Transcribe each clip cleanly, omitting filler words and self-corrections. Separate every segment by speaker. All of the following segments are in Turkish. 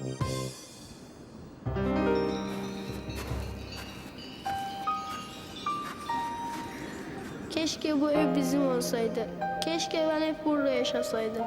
Speaker 1: Keşke bu ev bizim olsaydı. Keşke ben hep burada yaşasaydım.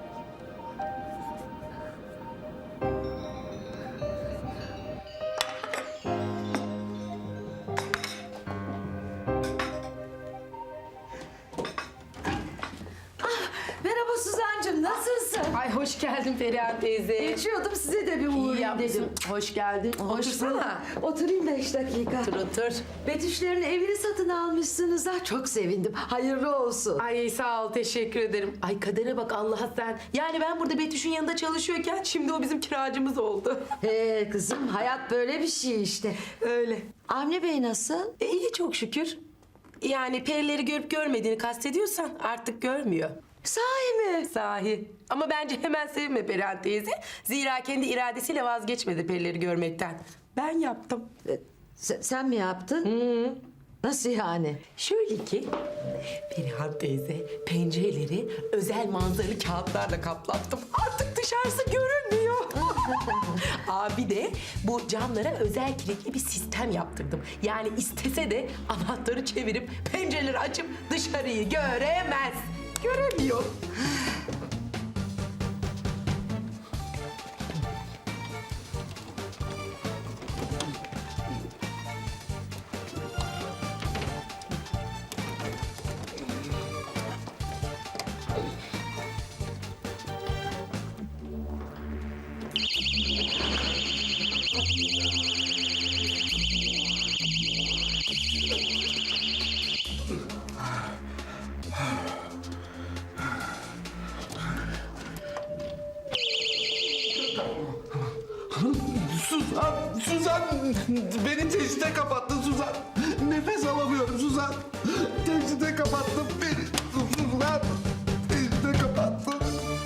Speaker 2: Merhaba Suzancığım, nasılsın?
Speaker 3: Ay hoş geldin Perihan teyze.
Speaker 2: Geçiyordum, size de bir
Speaker 3: İyi
Speaker 2: uğrayayım
Speaker 3: yapmışsın.
Speaker 2: dedim.
Speaker 3: Hoş geldin. Otursana.
Speaker 2: Oturayım 5 dakika.
Speaker 3: Otur.
Speaker 2: Betüşlerin evini satın almışsınız ha. Çok sevindim. Hayırlı olsun.
Speaker 3: Ay sağ ol, teşekkür ederim. Ay kadere bak Allah'a sen. Yani ben burada Betüş'ün yanında çalışıyorken şimdi o bizim kiracımız oldu.
Speaker 2: Kızım, hayat böyle bir şey işte.
Speaker 3: Öyle.
Speaker 2: Avni Bey nasıl?
Speaker 3: İyi çok şükür. Yani perileri görüp görmediğini kastediyorsan artık görmüyor.
Speaker 2: Sahi mi?
Speaker 3: Sahi. Ama bence hemen sevinme Perihan teyze. Zira kendi iradesiyle vazgeçmedi perileri görmekten. Ben yaptım.
Speaker 2: Sen mi yaptın? Nasıl yani?
Speaker 3: Şöyle ki Perihan teyze pencereleri özel manzaralı kağıtlarla kaplattım. Artık dışarısı görünmüyor. Bir de bu camlara özel kilitli bir sistem yaptırdım. Yani istese de anahtarı çevirip pencereleri açıp dışarıyı göremez. Göremiyor.
Speaker 4: Suzan, beni teşhiste kapattın Suzan. Nefes alamıyorum Suzan. Teşhiste kapattın beni. Suzan, teşhiste kapattın.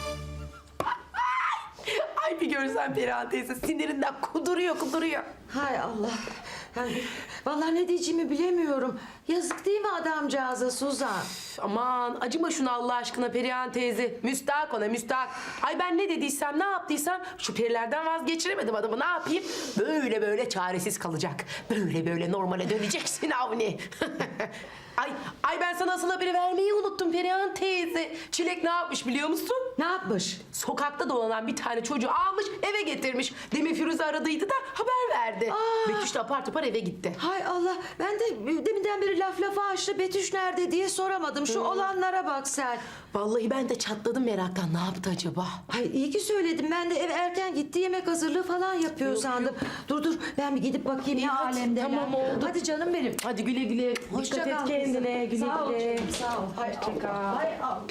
Speaker 3: Ay bir görsen Perihan teyze sinirinden kuduruyor.
Speaker 2: Hay Allah. Yani, vallahi ne diyeceğimi bilemiyorum. Yazık değil mi adamcağıza Suzan?
Speaker 3: Aman acıma şuna Allah aşkına Perihan teyze. Müstahak ona müstahak. Ay ben ne dediysem ne yaptıysam şu perilerden vazgeçiremedim adamı, ne yapayım? Böyle çaresiz kalacak. Böyle normale döneceksin Avni. Ay ben sana asıl haberi vermeyi unuttum Perihan teyze. Çilek ne yapmış biliyor musun?
Speaker 2: Ne yapmış?
Speaker 3: Sokakta dolanan bir tane çocuğu almış eve getirmiş. Demin Firuze aradıydı da haber verdi. Betüş de apar topar eve gitti.
Speaker 2: Hay Allah, ben de deminden beri lafa açtı. Betüş nerede diye soramadım. Şu olanlara bak sen.
Speaker 3: Vallahi ben de çatladım meraktan, ne yaptı acaba?
Speaker 2: Ay iyi ki söyledim. Ben de eve erken gitti, yemek hazırlığı falan yapıyor sandım. Dur, ben bir gidip bakayım
Speaker 3: İyi,
Speaker 2: ne
Speaker 3: hadi,
Speaker 2: alemde.
Speaker 3: tamam, oldu.
Speaker 2: Hadi canım benim.
Speaker 3: Hadi güle güle.
Speaker 2: Hoşça
Speaker 3: Dikkat
Speaker 2: kal
Speaker 3: et kendine.
Speaker 2: kızım.
Speaker 3: Güle
Speaker 2: Sağ ol
Speaker 3: güle.
Speaker 2: canım, sağ ol. Hay
Speaker 3: Hoşça kal.
Speaker 2: Allah, hay Allah.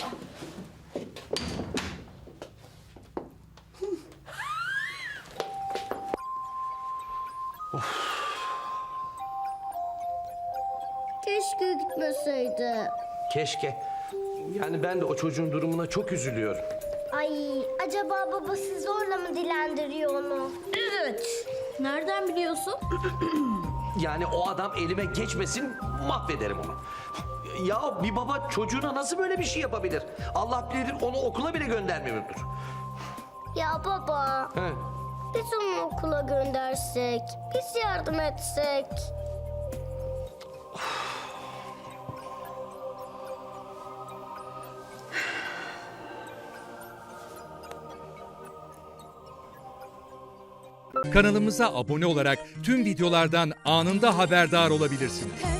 Speaker 1: Keşke gitmeseydi.
Speaker 4: Keşke. Yani ben de o çocuğun durumuna çok üzülüyorum.
Speaker 5: Ay, acaba babası zorla mı dilendiriyor onu?
Speaker 1: Evet. Nereden biliyorsun?
Speaker 4: Yani o adam elime geçmesin, mahvederim onu. Ya bir baba çocuğuna nasıl böyle bir şey yapabilir? Allah bilir onu okula bile göndermiyordur.
Speaker 5: Ya baba,
Speaker 4: He.
Speaker 5: biz onu okula göndersek, biz yardım etsek.
Speaker 6: Kanalımıza abone olarak tüm videolardan anında haberdar olabilirsiniz.